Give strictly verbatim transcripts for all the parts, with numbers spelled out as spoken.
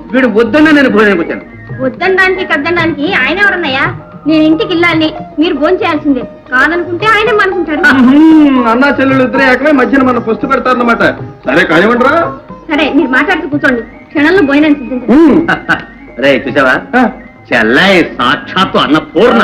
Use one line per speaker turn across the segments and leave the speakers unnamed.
వీడు వద్దన్నా నేను భోజనానికి వచ్చాను.
వద్దనడానికి కద్దనడానికి ఆయన ఎవరన్నయ్యా? నేను ఇంటికి వెళ్ళాలి, మీరు భోజనం చేయాల్సిందే. కాదనుకుంటే ఆయనే అనుకుంటారు.
అన్నా చెల్లెలు ఇద్దరే ఏకమే మధ్యన మన పొస్తు పెడతారన్నమాట. సరే కానివ్వండిరా.
సరే మీరు మాట్లాడుతూ కూర్చోండి, క్షణంలో భోజనం సిద్ధించండి.
రే చూసావా, చెల్లాయి సాక్షాత్తు అన్న పూర్ణ.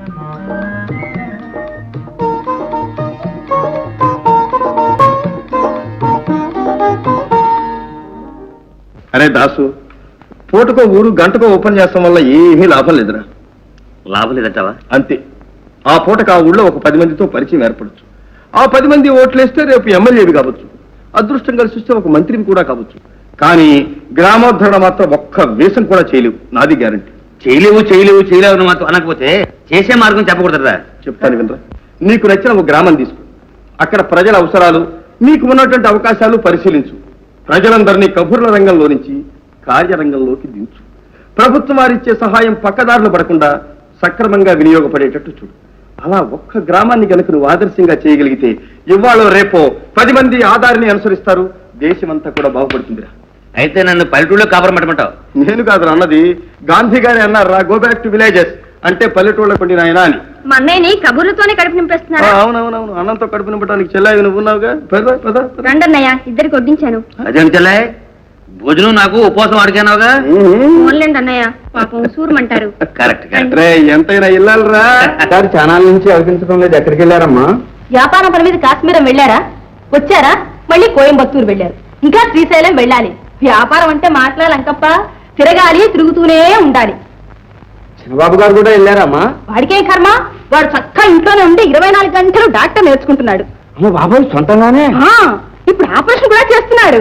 అరే దాసు, పూటకో ఊరు గంటకో ఓపెన్ చేస్తాం వల్ల ఏమీ లాభం లేదురా.
లాభం లేదంటావా?
అంతే. ఆ పూటకు ఆ ఊళ్ళో ఒక పది మందితో పరిచయం ఏర్పడచ్చు. ఆ పది మంది ఓట్లేస్తే రేపు ఎమ్మెల్యేవి కావచ్చు, అదృష్టం కలిసి వస్తే ఒక మంత్రిని కూడా కావచ్చు. కానీ గ్రామోద్ధరణ మాత్రం ఒక్క వేషం కూడా చేయలేవు, నాది గ్యారంటీ.
చేయలేవు చేయలేవు చేయలేవు అని మాత్రం అనకపోతే చేసే మార్గం చెప్పకూడదురా.
చెప్తాను వినరా. నీకు నచ్చిన ఒక గ్రామం తీసుకో, అక్కడ ప్రజల అవసరాలు, నీకు ఉన్నటువంటి అవకాశాలు పరిశీలించు. ప్రజలందరినీ కబుర్ల రంగంలో నుంచి కార్యరంగంలోకి దించు. ప్రభుత్వం వారిచ్చే సహాయం పక్కదారులు పడకుండా సక్రమంగా వినియోగపడేటట్టు చూడు. అలా ఒక్క గ్రామాన్ని కనుక నువ్వు ఆదర్శంగా చేయగలిగితే ఇవాళ రేపో పది మంది ఆధారిని అనుసరిస్తారు, దేశమంతా కూడా బాగుపడుతుందిరా.
అయితే నన్ను పల్లెటూళ్ళలో కాపురం పెట్టమంటావు?
నేను కాదు అన్నది, గాంధీ గారి అన్నారా, గో బ్యాక్ టు విలేజెస్ అంటే పల్లెటూళ్ళ కొండి నాయన అని.
మా అన్నయ్యని కబుర్లతోనే కడుపు నింపేస్తున్నారు.
అవునవునవును, అన్నంతో కడుపు నింపడానికి చెల్లాయి నువ్వు ఉన్నావుగా. పద పద
రండి అన్నయ్య, ఇద్దరికి వడ్డించాను.
అదేం చెల్లాయి, భోజనం నాకు ఉపవాసం అడిగానావుగా.
ఓన్లేండి అన్నయ్య, పాపం సూరమంటారు.
Correct correct.
ఎంతైనా ఇల్లాలరా. సార్ ఛానల్ నుంచి అనిపించడం లేదు, ఎక్కడికి వెళ్ళారమ్మా?
వ్యాపారం పని మీద కాశ్మీరం వెళ్ళారా? వచ్చారా? మళ్ళీ కోయంబత్తూరు వెళ్ళారు, ఇంకా శ్రీశైలం వెళ్ళాలి. వ్యాపారం అంటే మాట్లాడాలంకప్ప, తిరగాలి, తిరుగుతూనే ఉండాలి.
చిన్నబాబు గారు కూడా వెళ్ళారమ్మా?
వాడికేం కర్మ, వాడు చక్కగా ఇంట్లోనే ఉండి ఇరవై నాలుగు గంటలు డాక్టర్ నేర్చుకుంటున్నాడు.
బాబాయ్ సొంతంగానే
ఇప్పుడు ఆపరేషన్ కూడా చేస్తున్నాడు.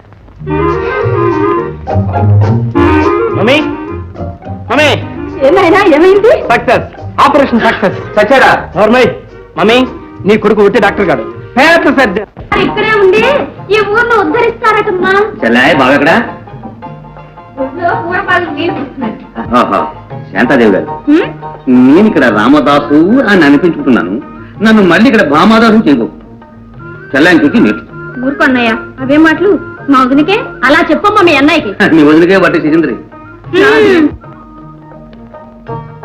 మమ్మీ మమ్మీ,
ఏమైనా ఏమైంది?
Success, operation success. సచారా నార్మల్. మమ్మీ, నీ కొడుకు ఒట్టి డాక్టర్ గారు, పేద సర్జన్.
ఇక్కడే ఉండి ఈ ఊర్లో ఉద్ధరిస్తారటమ్మా.
చెల్లాయి బాగా ఎక్కడ? శాంతాదేవి గారు, నేను ఇక్కడ రామదాసు అని అనిపించుకుంటున్నాను, నన్ను మళ్ళీ ఇక్కడ భామాదాసు చేయకు. చెల్లాయిని చూసి నేర్చు.
ఊరుకొన్నయ్య, అవే మాటలు మా వదినకే అలా చెప్పమ్మా మీ అన్నయ్యకి.
నీ వదిలికే బట్టి సిగింద్రి.